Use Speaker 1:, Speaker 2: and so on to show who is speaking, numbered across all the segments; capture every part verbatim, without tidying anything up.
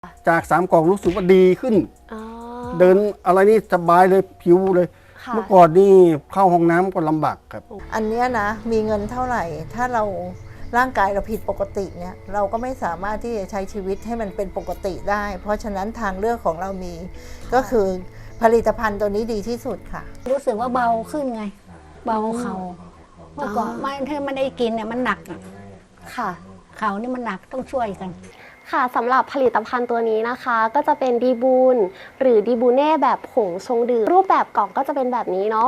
Speaker 1: จากสามกล่องรู้สึกว่าดีขึ้นเดินอะไรนี่สบายเลยผิวเลยเมื่อก่อนนี่เข้าห้องน้ำก็ลำบากครับ
Speaker 2: อันนี้นะมีเงินเท่าไหร่ถ้าเราร่างกายเราผิดปกติเนี่ยเราก็ไม่สามารถที่จะใช้ชีวิตให้มันเป็นปกติได้เพราะฉะนั้นทางเลือกของเรามีก็คือผลิตภัณฑ์ตัวนี้ดีที่สุดค่ะ
Speaker 3: รู้สึกว่าเบาขึ้นไงเบาเข่าเมื่อก่อนไม่ถ้าไม่ได้กินเนี่ยมันหนัก
Speaker 4: ค่ะ
Speaker 3: เข่านี่มันหนักต้องช่วยกัน
Speaker 4: ค่ะสำหรับผลิตภัณฑ์ตัวนี้นะคะก็จะเป็นดีบูนหรือดีบูเน่แบบผงชงดื่มรูปแบบกล่องก็จะเป็นแบบนี้เนาะ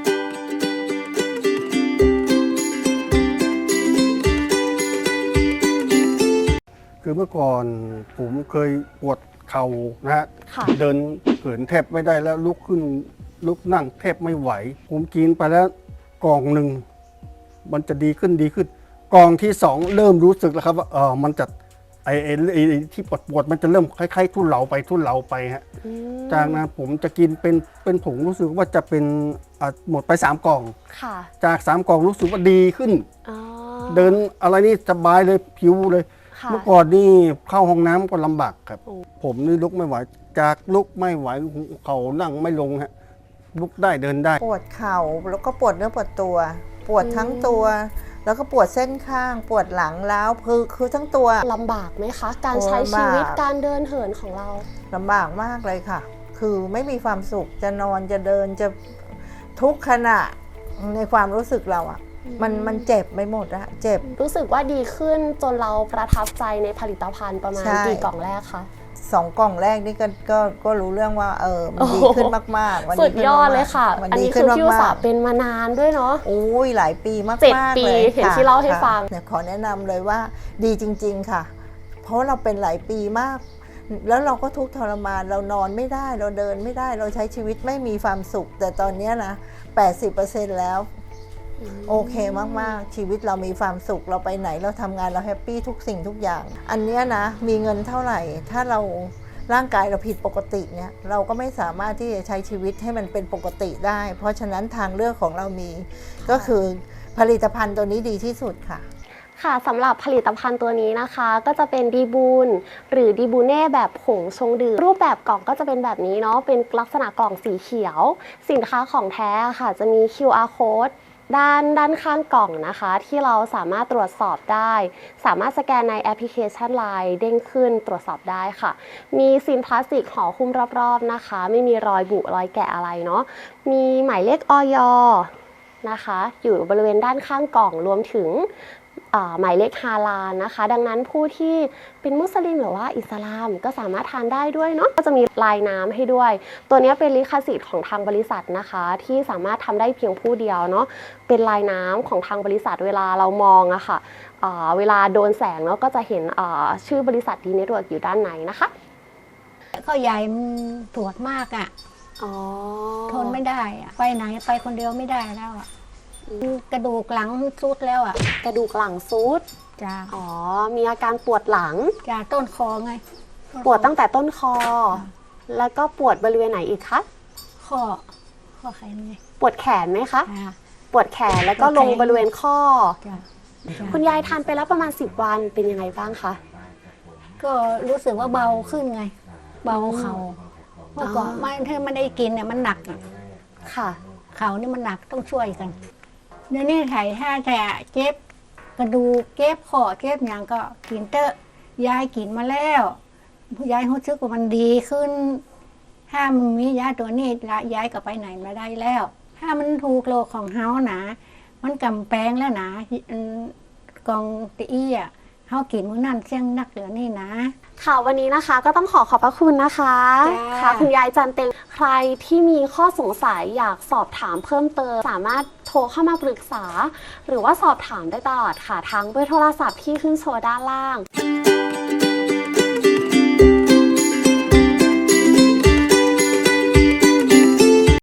Speaker 1: คือเมื่อก่อนผมเคยปวดเข่านะฮะเดินเหินแทบไม่ได้แล้วลุกขึ้นลุกนั่งแทบไม่ไหวผมกินไปแล้วกล่องหนึ่งมันจะดีขึ้นดีขึ้นกล่องที่สองเริ่มรู้สึกแล้วครับว่าเออมันจะไอ้ไอ้ที่ปวดปวดมันจะเริ่มคล้ายๆทุเลาไปทุเลาไปฮะจากนั้นผมจะกินเป็นเป็นผงรู้สึกว่าจะเป็นหมดไปสามกล่องจากสามกล่องรู้สึกว่าดีขึ้นเดินอะไรนี่สบายเลยผิวเลยเมื่อก่อนนี่เข้าห้องน้ำก็ลำบากครับผมนี่ลุกไม่ไหวจากลุกไม่ไหวเข่านั่งไม่ลงฮะลุกได้เดินได้
Speaker 2: ปวดเข่าแล้วก็ปวดเนื้อปวดตัวปวดทั้งตัวแล้วก็ปวดเส้นข้างปวดหลังล้าวคือคือทั้งตัว
Speaker 4: ลำบากไหมคะการใช้ชีวิตการเดินเหินของเรา
Speaker 2: ลำบากมากเลยค่ะคือไม่มีความสุขจะนอนจะเดินจะทุกขณะในความรู้สึกเราอะมันมันเจ็บไปหมดอะเจ็บ
Speaker 4: รู้สึกว่าดีขึ้นจนเราประทับใจในผลิตภัณฑ์ประมาณกี่กล่องแรกคะ
Speaker 2: สองกล่องแรกนี่ก็ก็ก็รู้เรื่องว่าเออมันดีขึ้นมากๆ
Speaker 4: สุดยอดเลยค่ะอันนี้คือพี่อุตสาห์เป็นมานานด้วยเนาะ
Speaker 2: โอ้ยหลายปีมากๆ
Speaker 4: เจ็ดปีเห็นที่เล่าให้ฟัง
Speaker 2: เนี่ยขอแนะนำเลยว่าดีจริงๆค่ะเพราะเราเป็นหลายปีมากแล้วเราก็ทุกข์ทรมานเรานอนไม่ได้เราเดินไม่ได้เราใช้ชีวิตไม่มีความสุขแต่ตอนนี้นะ แปดสิบเปอร์เซ็นต์ แล้วโอเคมากๆชีวิตเรามีความสุขเราไปไหนเราทำงานเราแฮปปี้ทุกสิ่งทุกอย่างอันนี้นะมีเงินเท่าไหร่ถ้าเราร่างกายเราผิดปกติเนี่ยเราก็ไม่สามารถที่จะใช้ชีวิตให้มันเป็นปกติได้เพราะฉะนั้นทางเลือกของเรามีก็คือผลิตภัณฑ์ตัวนี้ดีที่สุดค่ะ
Speaker 4: ค่ะสำหรับผลิตภัณฑ์ตัวนี้นะคะก็จะเป็นดีบูนหรือดีบูเน่แบบผงชงดื่มรูปแบบกล่องก็จะเป็นแบบนี้เนาะเป็นลักษณะกล่องสีเขียวสินค้าของแท้ค่ะจะมี คิว อาร์ Code ด้านด้านข้างกล่องนะคะที่เราสามารถตรวจสอบได้สามารถสแกนในแอปพลิเคชัน ไลน์ เด้งขึ้นตรวจสอบได้ค่ะมีซีนพลาสติกห่อหุ้มรอบๆนะคะไม่มีรอยบุรอยแกะอะไรเนาะมีหมายเลขอย.นะคะอยู่บริเวณด้านข้างกล่องรวมถึงหมายเลขฮาลาลนะคะดังนั้นผู้ที่เป็นมุสลิมหรือว่าอิสลามก็สามารถทานได้ด้วยเนาะก็จะมีลายน้ำให้ด้วยตัวนี้เป็นลิขสิทธิ์ของทางบริษัทนะคะที่สามารถทำได้เพียงผู้เดียวเนาะเป็นลายน้ำของทางบริษัทเวลาเรามองอะค่ะเวลาโดนแสงเนาะก็จะเห็นชื่อบริษัทดีเน็ตเวิร์กอยู่ด้านในนะคะ
Speaker 3: ก็ใหญ่ปวดมากอะทนไม่ได้อะไปไหนไปคนเดียวไม่ได้แล้วอะกระดูกหลังซุดแล้วอ่ะ
Speaker 4: กระดูกหลังซุด
Speaker 3: จ้า
Speaker 4: อ๋อมีอาการปวดหลัง
Speaker 3: จ้าต้นคอไง
Speaker 4: ปวดตั้งแต่ต้นคอแล้วก็ปวดบริเวณไหนอีกคะ
Speaker 3: ข้อข้อแขนไง
Speaker 4: ปวดแขนไหมคะปวดแขนแล้วก็ลงบริเวณข้อคุณยายทานไปแล้วประมาณสิบวันเป็นยังไงบ้างคะ
Speaker 3: ก็รู้สึกว่าเบาขึ้นไงเบาเข่าเมื่อก่อนไม่ถ้าไม่ได้กินเนี่ยมันหนัก
Speaker 4: ค่ะ
Speaker 3: เข่านี่มันหนักต้องช่วยกันเดี๋ยวนี้ไถ่ถ้าแต่เจ็บกระดูกเจ็บคอเจ็บอย่างก็กินเตอะยายกินมาแล้วยายรู้สึกว่ามันดีขึ้นถ้ามันมียาตัวนี้ละยายก็ไปไหนมาได้แล้วถ้ามันถูกโลกของเฮาหนามันกำแพงแล้วนะกองตีอ่ะเฮากินมื้อนั้นเสี่ยงนักเหลือนี่นะ
Speaker 4: ค่ะวันนี้นะคะก็ต้องขอขอบพระคุณนะคะค่ะคุณยายจันเต็งใครที่มีข้อสงสัยอยากสอบถามเพิ่มเติมสามารถโทรเข้ามาปรึกษาหรือว่าสอบถามได้ตลอดค่ะทั้งเบอร์โทรศัพท์ที่ขึ้นโชว์ด้านล่าง